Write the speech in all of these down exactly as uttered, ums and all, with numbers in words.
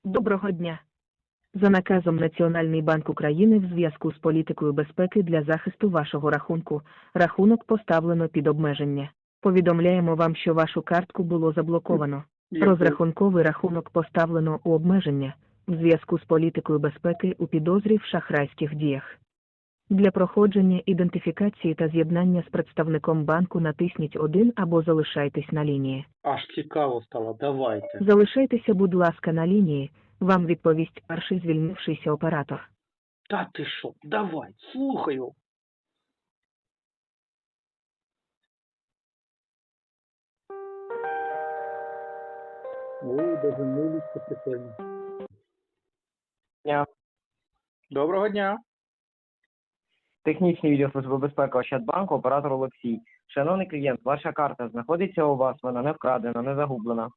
Доброго дня. За наказом Національний банк України в зв'язку з політикою безпеки для захисту вашого рахунку, рахунок поставлено під обмеження. Повідомляємо вам, що вашу картку було заблоковано. Розрахунковий рахунок поставлено у обмеження в зв'язку з політикою безпеки у підозрі в шахрайських діях. Для проходження ідентифікації та з'єднання з представником банку натисніть один або залишайтесь на лінії. Аж цікаво стало, давайте. Залишайтеся, будь ласка, на лінії, вам відповість перший звільнившийся оператор. Та ти що, давай, слухаю. Ой, даже милість прикольно. Дня. Доброго дня. Технічний відділ Служби безпеки Ощадбанку, оператор Олексій. Шановний клієнт, ваша карта знаходиться у вас, вона не вкрадена, не загублена.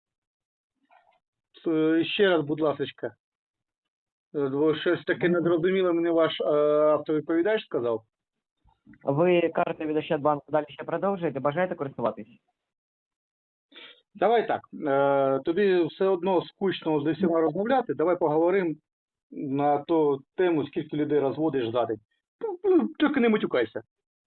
С- Ще раз, будь ласочка. Е, бо щось таке недорозуміле мені ваш е, автовідповідач сказав. Ви карти від Ощадбанку далі ще продовжуєте? Бажаєте користуватись? Давай так, е, тобі все одно скучно з усіма розмовляти, давай поговоримо на ту тему, скільки людей розводиш за день. Ну, ну, Тільки не матюкайся.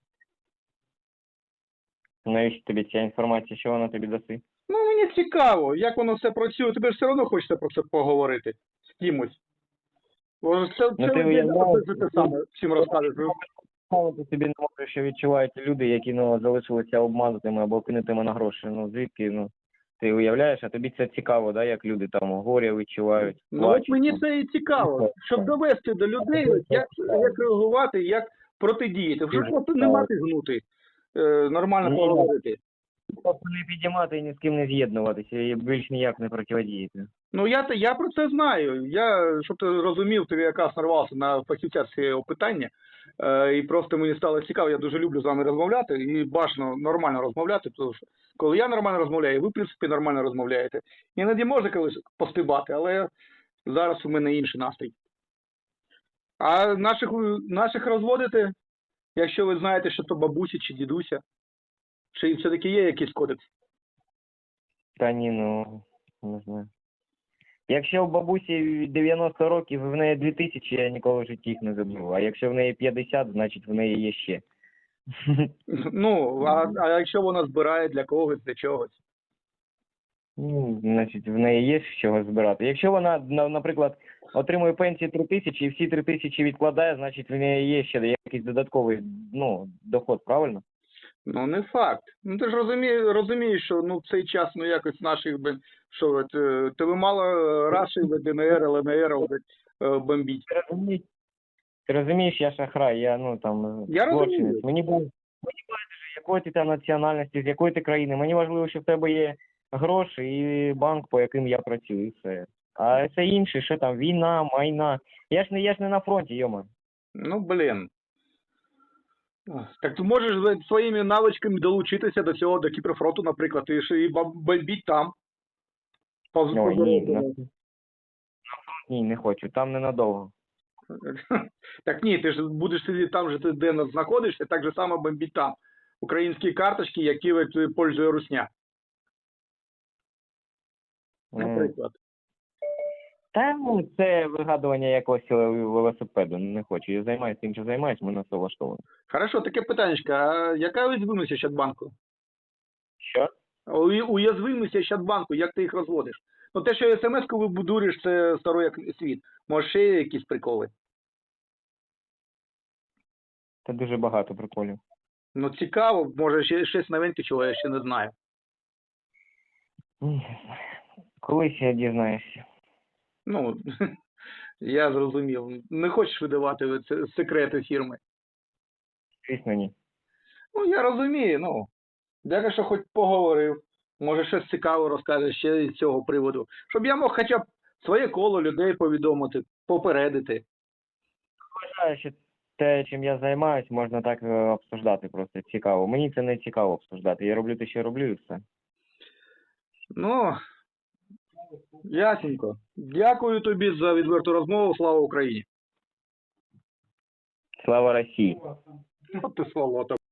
Навіщо тобі ця інформація, що вона тобі даси? Ну, мені цікаво, як воно все працює. Тобі ж все одно хочеться про це поговорити з кимось. Бо це, Ну, це ти ви уявляєш, те саме всім розкажеш. Ти собі не можеш, що відчувають люди, які ну, залишилися обманутими або кинутими на гроші. Ну, звідки, ну, ти уявляєш, а тобі це цікаво, да, як люди там горя відчувають, Ну, плачуть. от мені це і цікаво, щоб довести до людей, як, як реагувати, як протидіяти. Вже просто не мати гнути, е, нормально Ні. поговорити. Просто не підіймати і ні з ким не з'єднуватися і більш ніяк не протидіяти. Ну, я, те- я про це знаю. Я, щоб ти розумів, ти якраз нарвався на фахівця з цього питання. Е, і просто мені стало цікаво, я дуже люблю з вами розмовляти і бажано нормально розмовляти, тому що коли я нормально розмовляю, ви, в принципі, нормально розмовляєте. Іноді можна колись постибати, але зараз у мене інший настрій. А наших, наших розводите, якщо ви знаєте, що то бабуся чи дідуся, чи все-таки є якийсь кодекс? Та ні, ну, не знаю. Якщо в бабусі дев'яносто років, в неї дві тисячі, я ніколи в житті їх не забув. А якщо в неї п'ятдесят, значить в неї є ще. Ну, а, а якщо вона збирає для когось, для чогось? Ну, значить, в неї є з чого збирати. Якщо вона, на- наприклад, отримує пенсію три тисячі і всі три тисячі відкладає, значить в неї є ще якийсь додатковий, ну, доход, правильно? Ну, не факт. Ну, ти ж розумієш, розумієш, що ну, в цей час ну, якось наших, блін, що, от, е, тебе мало Раші, ДНР, ЛНР от, е, бомбіть. Ти розумієш, ти розумієш, я шахрай, я, ну, там, Я розумію. злочинець. Мені бу- мені байдуже, якої ти там національності, з якої ти країни. Мені важливо, що в тебе є гроші і банк, по яким я працюю, і все. А це інше, що там, війна, майна. Я ж не, я ж не на фронті, йома. Ну, блін. Так ти можеш блін, своїми навичками долучитися до цього, до Кіпрфронту, наприклад, і, ж- і бом- бомбіть там. По, Ой, по ні, дорозі. на- ні, не хочу, там ненадовго. Так ні, ти ж будеш сидіти там, же ти де знаходишся, так же само бомбіть там. Українські карточки, які от, пользує Русня, М. наприклад. Та, ну, це вигадування якогось велосипеду, не хочу. Я займаюся тим, що займаюся, мене це влаштовує. Хорошо, таке питаннячко. А яка уязвимість Ощадбанку? Що? У- Уязвимість Ощадбанку, як ти їх розводиш? Ну те, що смс-ку вибудуєш, це старий як світ. Може ще є якісь приколи? Це дуже багато приколів. Ну цікаво, може ще щось новеньке, чого я ще не знаю. Ні, не знаю. Колись я дізнаєшся. Ну, я зрозумів. Не хочеш видавати це секрети фірми. Звісно, ні. Ну, я розумію, ну. Дякую, що хоч поговорив. Може, щось цікаве розкажеш ще з цього приводу. Щоб я мог хоча б своє коло людей повідомити, попередити. Вважаю, що те, чим я займаюсь, можна так е, обсуждати просто. Цікаво. Мені це не цікаво обсуждати. Я роблю те, що роблю, і все. Ну, ясненько. Дякую тобі за відверту розмову. Слава Україні. Слава Росії! От ти сволота.